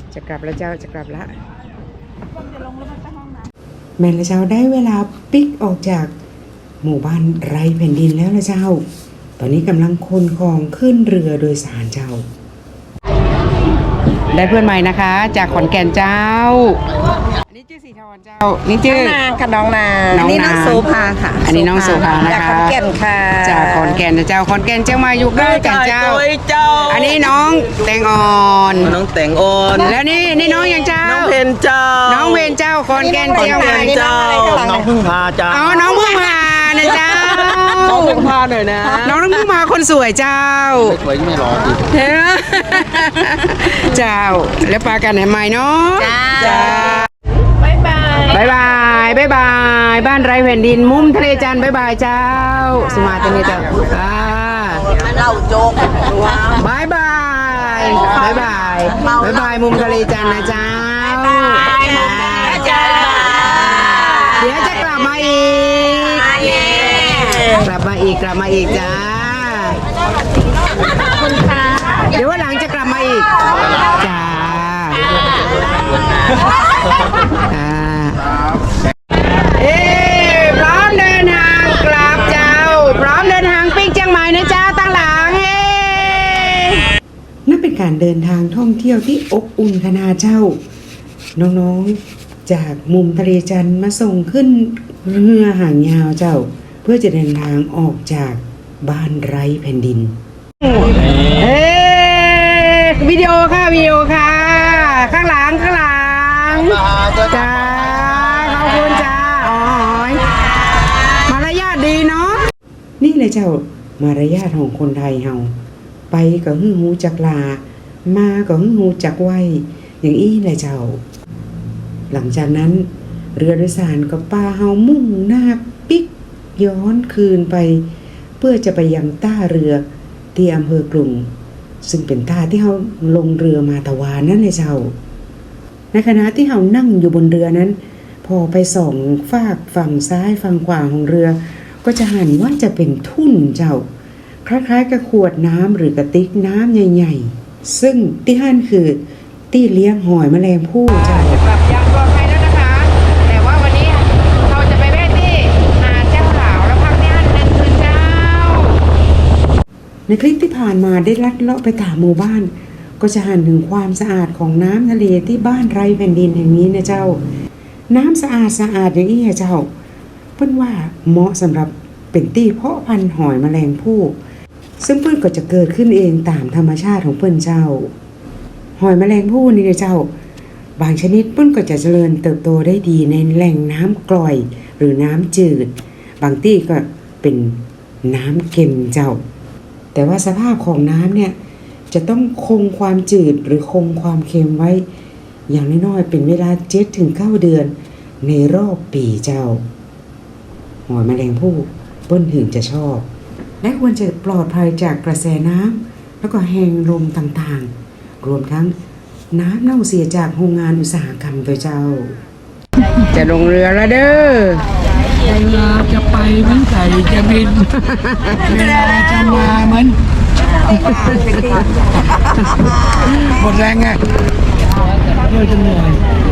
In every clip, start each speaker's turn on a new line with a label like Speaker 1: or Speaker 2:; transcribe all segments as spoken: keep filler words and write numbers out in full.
Speaker 1: จะกลับแล้วเจ้าจะกลับละแม่ละเจ้าได้เวลาปิกออกจากหมู่บ้านไร้แผ่นดินแล้วละเจ้าตอนนี้กำลังขนของขึ้นเรือโดยสารเจ้าได้เพื่อนใหม่นะคะจากขอนแก่นเจ้าอันนี้ชื่อสีทอนเจ้านี่ชื่อน
Speaker 2: างค่ะน้องนางอันนี้น้องโซภาค่ะ
Speaker 1: อันนี้น้องโซภานะคะ
Speaker 2: จากขอนแก่นค่ะ
Speaker 1: จากขอนแก่นเจ้าขอนแก่นเจ้ามาอยู่ใกล้กันเจ้าอันนี้น้องแตงอ่อน
Speaker 3: น้องแตงอ่อน
Speaker 1: แล้วนี่นี่น้องยังเจ้า
Speaker 3: น้องเพนเจ้า
Speaker 1: น้องเพนเจ้าขอนแก่นเจ้า
Speaker 3: เจ้าน้องพึ่งพาเจ้า
Speaker 1: อ๋อน้องพึ่งพานะเจ้า
Speaker 3: น้องพึ่งพาหน่อยนะ
Speaker 1: น้องน้องพึ่งพาคนสวยเจ้า
Speaker 3: สวยไม่รอดิ
Speaker 1: เจ้าแล้วปากันไหนเนาะ
Speaker 2: จ้าบายบาย
Speaker 1: บายบายบายบายบ้านไร้แผ่นดินมุมทะเลจันทร์บายบายเจ้าสมาตรงนี้เจ้าอ่า
Speaker 2: เราโจก
Speaker 1: บายบายบายบายบายบายมุมทะเลจันทร์นะเจ้าเดี๋ยวจะกลับมาอีกกลับมาอีกกลับมาอีกจ้าเดี๋ยววันหลังจะกลับมาอีกจ้าอ่าเอ๊พร้อมเดินทางกลับเจ้าพร้อมเดินทางปิ๊กเชียงใหม่นะเจ้าตั้งหลังเฮ้นั่นเป็นการเดินทางท่องเที่ยวที่อบอุ่นขนาดเจ้าน้องๆจากมุมทะเลจันทร์มาส่งขึ้นเรือหางยาวเจ้าเพื่อจะเดินทางออกจากบ้านไร้แผ่นดินเอ๊วิดีโอค่ะวิดีโอค่ะข้างหลังข้างหลังจ้าขอบคุณจ้าอ๋อยมารยาทดีเนาะนี่เลยเจ้ามารยาทของคนไทยเฮาไปก็หึ่งหูจักลามาก็หึ่งหูจักไหวอย่างอี้เลยเจ้าหลังจากนั้นเรือโดยสารก็ป้าเฮามุ่งหน้าปิกย้อนคืนไปเพื่อจะไปยังท่าเรือที่อำเภอกรุงซึ่งเป็นท่าที่เขาลงเรือมาตะวานนั่นเลยเจ้าในขณะที่เขานั่งอยู่บนเรือนั้นพอไปส่องฟากฝั่งซ้ายฝั่งขวาของเรือก็จะหันว่าจะเป็นทุ่นเจ้าคล้ายๆกับขวดน้ำหรือกระติกน้ำใหญ่ๆซึ่งที่หันคือที่เลี้ยงหอยแมลงภู่เจ้ากลับยังปลอดภัยแล้วนะคะแต่ว่าวันนี้เราจะไปแวะที่หาดเจ้าหลาวแล้วพักที่หันหนึ่งคืนเจ้าในคลิปที่ผ่านมาได้ลัดเลาะไปตามหมู่บ้านก็จะหันถึงความสะอาดของน้ำทะเลที่บ้านไร้แผ่นดินแห่งนี้นะเจ้าน้ำสะอาดสะอาดอย่างนี้เจ้าเพิ่นว่าเหมาะสำหรับเป็นที่เพาะพันธุ์หอยแมลงภู่ซึ่งเพิ่นก็จะเกิดขึ้นเองตามธรรมชาติของเพิ่นเจ้าหอยแมลงภู่นี่นะเจ้าบางชนิดเพิ่นก็จะเจริญเติบโตได้ดีในแหล่งน้ำกร่อยหรือน้ำจืดบางที่ก็เป็นน้ำเค็มเจ้าแต่ว่าสภาพของน้ำเนี่ยจะต้องคงความจืดหรือคงความเค็มไว้อย่างน้อยๆเป็นเวลา เจ็ดถึงเก้า เดือนในรอบปีเจ้าหอยแมลงภู่เปิ้นถึงจะชอบและควรจะปลอดภัยจากกระแสน้ำแล้วก็แหงลมต่างๆรวมทั้งน้ำเน่าเสียจากโรงงานอุตสาหกรรมตัวเจ้าจะลงเรือแล้วเด้อ
Speaker 4: เวลาจะไปเหมือนไก่จะบินเวลาจะมาเหมือนหมดแรงไงเพื่อจะเหนื่อย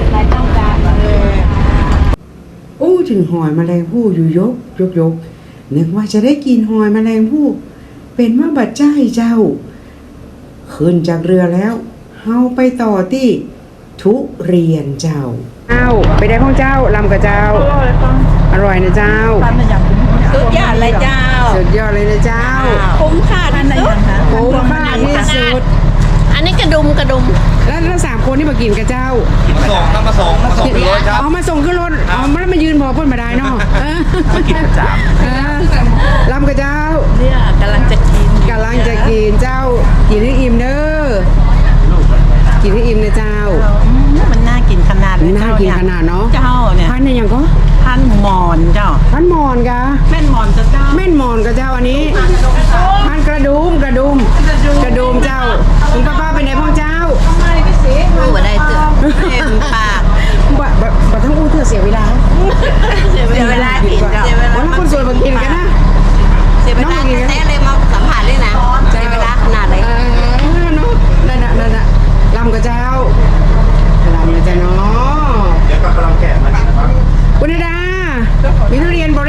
Speaker 1: โอ้ถึงหอยแมลงภู่อยู่ยกยกยกนึกว่าจะได้กินหอยแมลงภู่เป็นว่าบัดใจเจ้าขึ้นจากเรือแล้วเฮาไปต่อที่ทุเรียนเจ้าเอ้าไปได้ของเจ้าลำกับเจ้าอร่อยนะเจ้า
Speaker 2: สุดยอดเลยเจ้า
Speaker 1: สุดยอดเลยนะเจ้า
Speaker 2: คุ้มค่าที่สุด
Speaker 1: คุ้มค่าที่สุด
Speaker 2: อันนี้กระดุมกระดุม
Speaker 1: แล้วทั้งสามคนนี่มากินกับเจ้า
Speaker 3: มาส่งครับมาส่งมาส่งขึ้นรถครับ
Speaker 1: เอามาส่งขึ้นรถเอามาแล้วมายืนบอกเพื่อนมาได้เนาะ
Speaker 3: มากินประจ
Speaker 1: ำลำกับเจ้า
Speaker 2: เนี่ยกำลังจะกิน
Speaker 1: กำลังจะกินเจ้ากินให้อิ่มเด้อกินให้อิ่มนะเจ้า
Speaker 2: มันน่ากินขนาด
Speaker 1: น่ากินขนาดเนาะ
Speaker 2: เจ้าเนี่ย
Speaker 1: พันเนี่ยยังก็
Speaker 2: พันหมอนเจ้า
Speaker 1: พันหมอนกะ
Speaker 2: แม่นหมอนเจ้า
Speaker 1: แม่นหมอนกับเจ้าอันนี้พันกระดุมกระดุมกระดุมเจ้าคุณป้าป้าเป็นไหนพ่อเจ้า
Speaker 2: รู้ว่าได้เจอเต็มปาก
Speaker 1: แบบแบบทั้งอู้เธอเสียเวลา
Speaker 2: เสียเวลากินเสียเวลา
Speaker 1: วันคนสวยมากินกันนะ
Speaker 2: เสียเวลาแท้เลยมาสัมผัสเลยนะเสียเวลาขนาดไหน
Speaker 1: นั่นน่ะนั่นน่ะลำกับเจ้า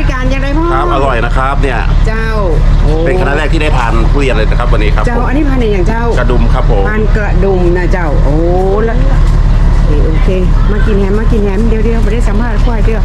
Speaker 1: การยังไงพ่อ
Speaker 5: ครับอร่อยนะครับเนี่ย
Speaker 1: เจ้าโอ้
Speaker 5: เป็นคณะแรกที่ได้ทานทุเรียนเลยนะครับวันนี้ครับ
Speaker 1: เจ้า
Speaker 5: ผม
Speaker 1: อันนี้พันธุ์อะไรอย่างเจ้าก
Speaker 5: ระดุมครับผม
Speaker 1: พันธุ์กระดุมนะเจ้า โอ้แล้วโอเคโอเค มากินแฮมมากินแฮมเดี๋ยวเดี๋ยวไม่ได้สัมภาษณ์ควายเดียว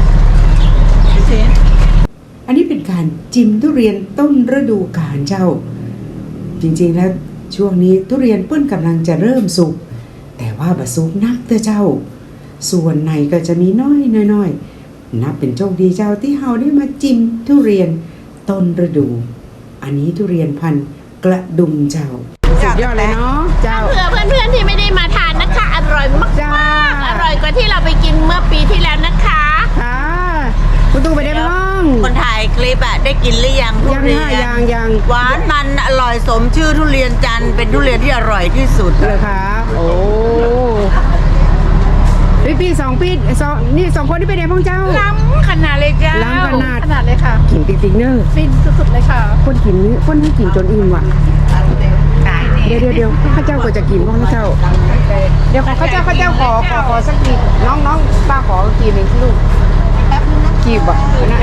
Speaker 1: อันนี้เป็นการจิ้มทุเรียนต้นฤดูกาลเจ้า จริงๆแล้วช่วงนี้ทุเรียนเปิ้นกำลังจะเริ่มสุกแต่ว่าบะสุกนักเด้อเจ้า ส่วนในก็จะมีน้อยน้อยๆนับเป็นโชคดีเจ้าที่เฮาได้มาจิ้มทุเรียนต้นฤดู อันนี้ทุเรียนพันธุ์กระดุมเจ้าสุดยอดเลยเนาะเจ้า
Speaker 6: เผื่อเพื่อนๆที่ไม่ได้มาทานนะคะ อร่อยมาก
Speaker 1: จ้า
Speaker 6: ๆอร่อยกว่าที่เราไปกินเมื่อปีที่แล้วนะคะ
Speaker 1: ค่ะคุณตู่ไปได้บ้าง
Speaker 2: คนถ่ายคลิปอะได้กินหรือยังทุ
Speaker 1: ยัง
Speaker 2: เรีย
Speaker 1: ค่ะ
Speaker 2: น
Speaker 1: ยังยัง
Speaker 2: หวานมันอร่อยสมชื่อทุเรียนจันทร์เป็นทุเรียนที่อร่อยที่สุด
Speaker 1: เลยค่ะโอ้พี่พี่สองพี่สองนี่สองคนที่ไปไหนพ้องเจ้า
Speaker 6: ล้ำขนาดเลยจ้า
Speaker 1: ล้ำขนาด
Speaker 6: ขนาดเลยค่ะ
Speaker 1: กินติ๊กติ๊กเนอร์
Speaker 6: ฟินสุดๆเลยค่ะ
Speaker 1: คนกินคนให้กินจนอิ่มว่ะเดี๋ยวเดี๋ยวเดี๋ยวข้าเจ้าก็จะกินพ้องข้าเจ้า เดี๋ยวขอข้าเจ้าข้าเจ้าขอขอขอสักทีน้องน้องป้าขอกินหนึ่งสิลูกกีบอ่ะนะ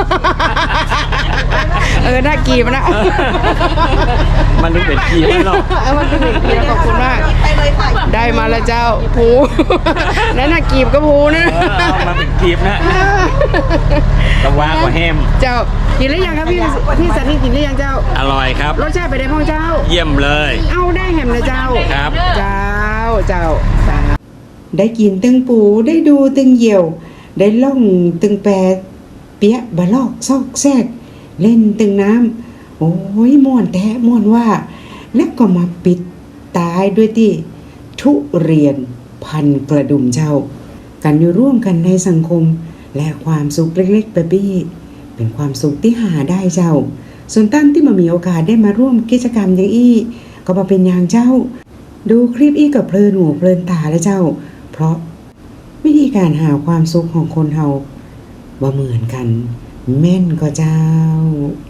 Speaker 1: เออน่ากีบนะ
Speaker 3: มันถึงเป็นกีบไม่หรอก
Speaker 1: เออมันเป็นกีบขอบคุณมากได้มาแล้วเจ้าผูนั่นน่ะกีบก็ผูนะ
Speaker 3: เออเอามาเป็นกีบนะตะวางกว่าแฮม
Speaker 1: เจ้ากินหรือยังครับพี่พี่สันนี่กินหรือยังเจ้า
Speaker 3: อร่อยครับ
Speaker 1: รสชาติไปได้พ้องเจ้า
Speaker 3: เยี่ยมเลย
Speaker 1: เอาได้แฮมนะเจ้า
Speaker 3: ครับ
Speaker 1: เจ้าเจ้าได้กินตึงปูได้ดูตึงเหี่ยว ได้ล่องตึงแปรเปียะบะลอกซอกแซกเล่นตึงน้ำโอ้ยม่วนแท้ม่วนว่า แล้วก็มาปิดตายด้วยที่ทุเรียนพันกระดุมเจ้า กันอยู่ร่วมกันในสังคมและความสุขเล็กๆแบบนี้เป็นความสุขที่หาได้เจ้า ส่วนตั้นที่มามีโอกาสได้มาร่วมกิจกรรมอย่างอี้ก็มาเป็นอย่างเจ้า ดูคลิปอี้กับเพลินหูเพลินตาแล้วเจ้า เพราะวิธีการหาความสุขของคนเฮาบ่เหมือนกัน แม่นก็เจ้า